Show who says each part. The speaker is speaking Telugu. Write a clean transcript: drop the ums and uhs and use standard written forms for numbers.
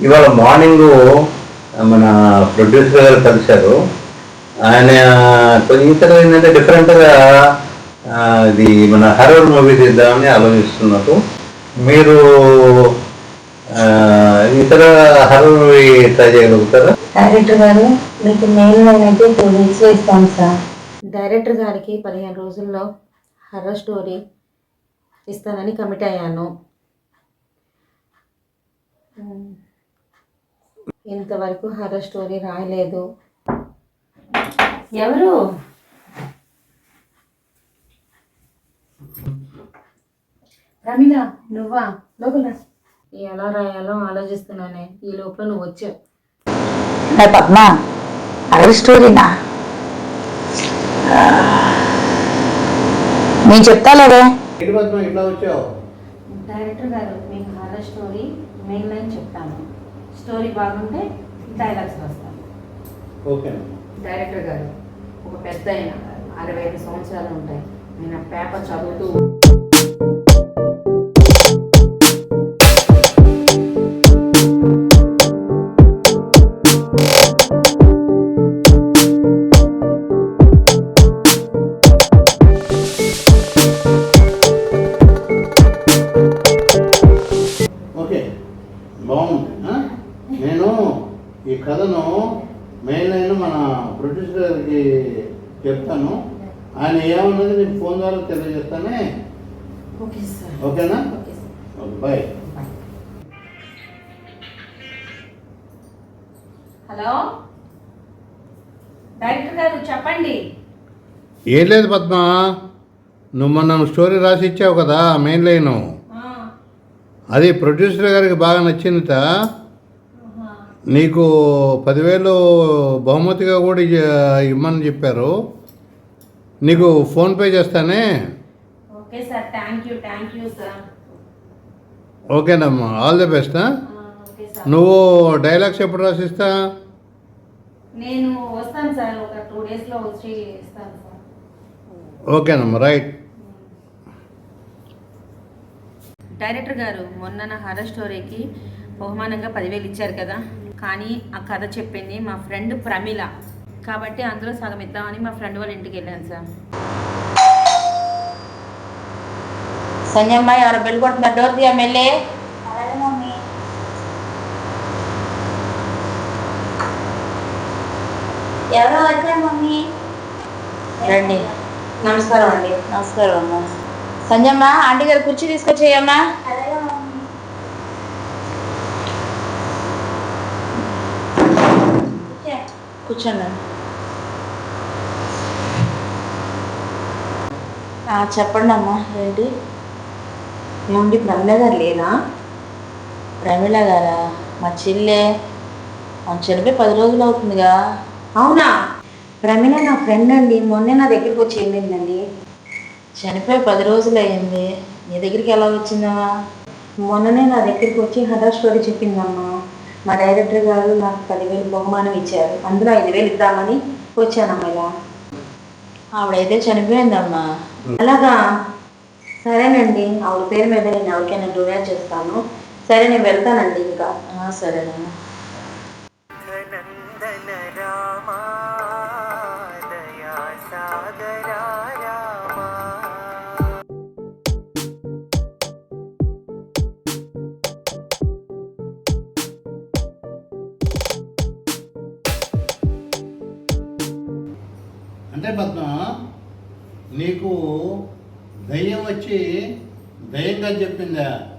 Speaker 1: ఇవాళ మార్నింగ్ మన ప్రొడ్యూసర్ గారు కలిశారు. ఆయన కొంచెం ఇతర ఏంటంటే డిఫరెంట్గా ఇది మన హర్రర్ మూవీ తీద్దామని ఆలోచిస్తున్నారు. మీరు ఇతర హర్రర్ మూవీ ట్రై చేయగలుగుతారా?
Speaker 2: డైరెక్టర్ గారు మీకు మెయిన్ అయితే 2 వీక్స్లో ఇస్తాం సార్. డైరెక్టర్ గారికి 15 రోజుల్లో హర్రర్ స్టోరీ ఇస్తానని కమిట్ అయ్యాను. ఇంతవరకు హర్రర్ స్టోరీ రాయలేదు. ఎవరు? రమీల, నువ్వా? లోపల ఎలా రాయాలో ఆలోచిస్తున్నానే. ఈ లోపల నువ్వు వచ్చావు.
Speaker 3: పద్మ, హర్రర్ స్టోరీనా? నేను చెప్తాలేదే.
Speaker 2: డైరెక్టర్ గారు మీకు హర్రర్ స్టోరీ మెయిన్ లైన్ చెప్తాను. స్టోరీ బాగుంటే డైలాగ్స్ వస్తాను.
Speaker 1: ఓకే
Speaker 2: డైరెక్టర్ గారు ఒక పెద్ద ఆయన 65 సంవత్సరాలు ఉంటాయి. నేను పేపర్ చదువుతూ
Speaker 4: బాగుంది. నేను ఈ కథను మెయిన్ లైన్ మన ప్రొడ్యూసర్ గారికి చెప్తాను. ఆయన ఏమన్నది నీకు ఫోన్ ద్వారా తెలియజేస్తానే.
Speaker 2: Okay sir.
Speaker 4: ఓకేనా?
Speaker 2: Okay sir.
Speaker 4: Okay, bye.
Speaker 2: Hello director గారు చెప్పండి.
Speaker 4: ఏం లేదు పద్మ, నువ్వు మొన్న స్టోరీ రాసి ఇచ్చావు కదా మెయిన్ లైను, అది ప్రొడ్యూసర్ గారికి బాగా నచ్చిందిట. నీకు 10,000 బహుమతిగా కూడా ఇమ్మని చెప్పారు. నీకు ఫోన్పే చేస్తానే.
Speaker 2: Okay sir, thank you sir.
Speaker 4: ఓకేనమ్మా, all the best.
Speaker 2: Okay sir.
Speaker 4: నువ్వు డైలాగ్స్ ఎప్పుడు రాసిస్తా?
Speaker 2: నేను వస్తాను సార్, ఒక 2 డేస్లో వచ్చి ఇస్తాను సార్.
Speaker 4: ఓకేనమ్మా, రైట్.
Speaker 2: డైరెక్టర్ గారు మొన్న నా హర్రర్ స్టోరీకి బహుమానంగా 10,000 ఇచ్చారు కదా, కానీ ఆ కథ చెప్పింది మా ఫ్రెండ్ ప్రమిళ కాబట్టి అందులో సగం ఇద్దామని మా ఫ్రెండ్ వాళ్ళ ఇంటికి వెళ్ళాను సార్.
Speaker 3: సంజయమ్మ, ఎవరు బెల్ కొడుతున్నారు? డోర్ తీయ మెల్లే.
Speaker 5: ఎవరో వచ్చారు మమ్మీ.
Speaker 3: రండి.
Speaker 2: నమస్కారం అండి.
Speaker 3: నమస్కారం అమ్మా. సంజయమ్మ, ఆంటీ గారు కుర్చీ తీసుకొచ్చేయమ్మా.
Speaker 5: అలాగే మమ్మీ.
Speaker 3: కూర్చోండి. చెప్పండి అమ్మా, ఏంటి?
Speaker 2: ఏమండి ప్రమిళ గారు లేరా?
Speaker 3: ప్రమిళ గారా? మా చెల్లె చనిపోయి 10 రోజులు అవుతుందిగా.
Speaker 2: అవునా? ప్రమిళ నా ఫ్రెండ్ అండి, మొన్నే నా దగ్గరికి వచ్చి వెళ్ళిందండి.
Speaker 3: చనిపోయి 10 రోజులు అయింది. నీ దగ్గరికి ఎలా వచ్చిందమ్మా?
Speaker 2: మొన్ననే నా దగ్గరికి వచ్చి హర్రర్ స్టోరీ చెప్పిందమ్మా. మా డైరెక్టర్ గారు నాకు 10,000 బహుమానం ఇచ్చారు, అందులో 5,000 ఇద్దామని వచ్చానమ్మా. ఇలా
Speaker 3: ఆవిడైతే చనిపోయిందమ్మా.
Speaker 2: అలాగా? సరేనండి, ఆవిడ పేరు మీద నేను ఎవరికైనా డొనేట్ చేస్తాను. సరే, నేను వెళ్తానండి. ఇంకా
Speaker 3: సరేనమ్మా.
Speaker 4: అంటే పద్మ, నీకు దయ్యం వచ్చి దయ్యంగా చెప్పిందా?